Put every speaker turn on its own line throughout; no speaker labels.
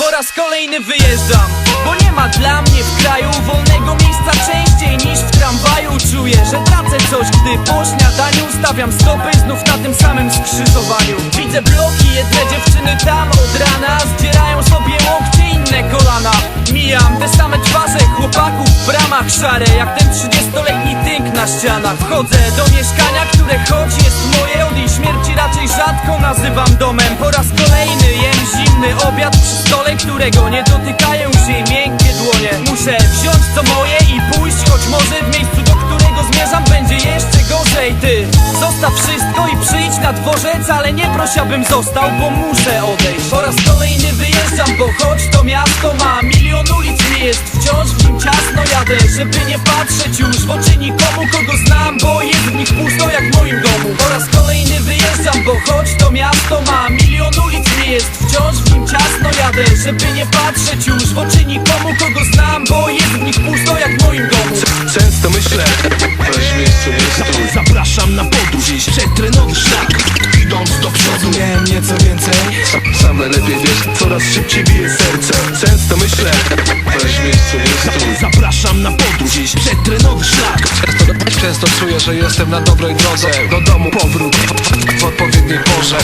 Po raz kolejny wyjeżdżam, bo nie ma dla mnie w kraju wolnego miejsca częściej niż w tramwaju. Czuję, że tracę coś, gdy po śniadaniu stawiam stopy znów na tym samym skrzyżowaniu. Widzę bloki, jedne dziewczyny tam od rana zdzierają sobie łokcie, inne kolana. Mijam te same twarze chłopaków w bramach szare, jak ten 30-letni tynk na ścianach. Wchodzę do mieszkania, które choć jest moje, od jej śmierci raczej rzadko nazywam domem. Po raz kolejny jem zimny obiad przy stole, którego nie dotykają się jej miękkie dłonie. Muszę wziąć co moje i pójść, choć może w miejscu, do którego zmierzam, będzie jeszcze gorzej. Ty zostaw wszystko i przyjdź na dworzec, ale nie proś, abym został, bo muszę odejść. Po raz kolejny wyjeżdżam, bo choć to miasto ma milion ulic, nie jest wciąż w nim ciasno. Jadę, żeby nie patrzeć już w oczy nikomu, kogo znam, bo jest w nich pusto jak w moim domu. Po raz kolejny wyjeżdżam, bo choć to miasto ma milion ulic, nie jest wciąż w nim ciasno. Jadę, żeby nie patrzeć już w oczy nikomu, kogo znam, bo jest w nich pusto jak w moim domu.
Często myślę, weź miejscu jest tu. Zapraszam na podróż, iść przetrenowy szlak, idąc do przodu.
Miałem nieco więcej.
Sam najlepiej wiesz, coraz szybciej bije serce. Często myślę, weź miejscu jest tu. Zapraszam na podróż, iść przetrenowy szlak. Często czuję, że jestem na dobrej drodze. Do domu powrót w odpowiedniej porze.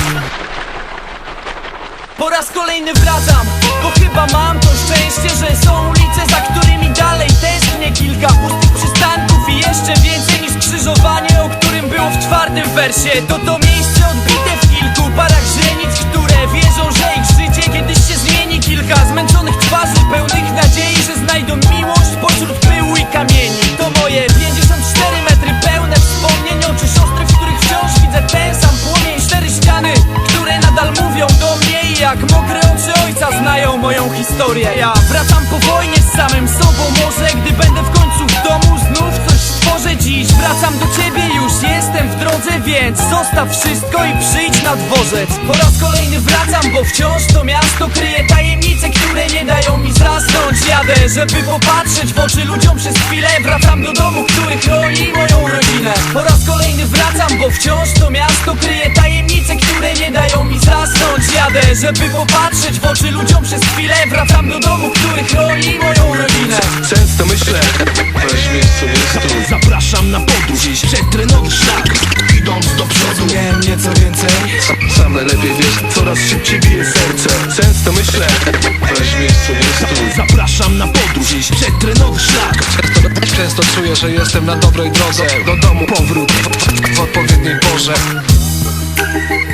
Po raz kolejny wracam, bo chyba mam to szczęście, że są ulice, za którymi dalej tęsknię. Kilka pustych przystanków i jeszcze więcej niż skrzyżowanie, o którym było w 4. wersie. To miejsce odbite w kilku parach źrenic, które wierzą, że ich życie kiedyś się zmieni. Kilka zmęczonych twarzy, pełnych nadziei, że znajdą miłość pośród pyłu i kamieni. To moje 54 metry pełne wspomnień, oczy siostry, w których wciąż widzę ten sam płomień. 4 ściany, które nadal mówią do mnie, jak mokre oczy ojca znają moją historię. Ja wracam po wojnie z samym sobą, może gdy będę w końcu w domu, znów coś stworzę. Dziś wracam do ciebie, już jestem w drodze, więc zostaw wszystko i przyjdź na dworzec. Po raz kolejny wracam, bo wciąż to miasto kryje tajemnice, które nie dają mi zasnąć. Jadę, żeby popatrzeć w oczy ludziom przez chwilę. Wracam do domu, który chroni moją rodzinę. Po raz kolejny wracam, bo wciąż to miasto kryje tajemnice, które nie dają mi zasnąć. Jadę, żeby popatrzeć w oczy ludziom przez chwilę. Wracam do domu, który chroni moją rodzinę.
Często myślę, weź miejscu jest tu. Zapraszam na podróż, iść przetrenowy szlak, idąc do przodu.
Miałem nieco więcej.
Sam najlepiej wiesz, coraz szybciej bije serce. Często myślę, weź miejscu jest tu. Zapraszam na podróż, iść przetrenowy szlak. Często czuję, że jestem na dobrej drodze. Do domu powrót w odpowiedniej porze.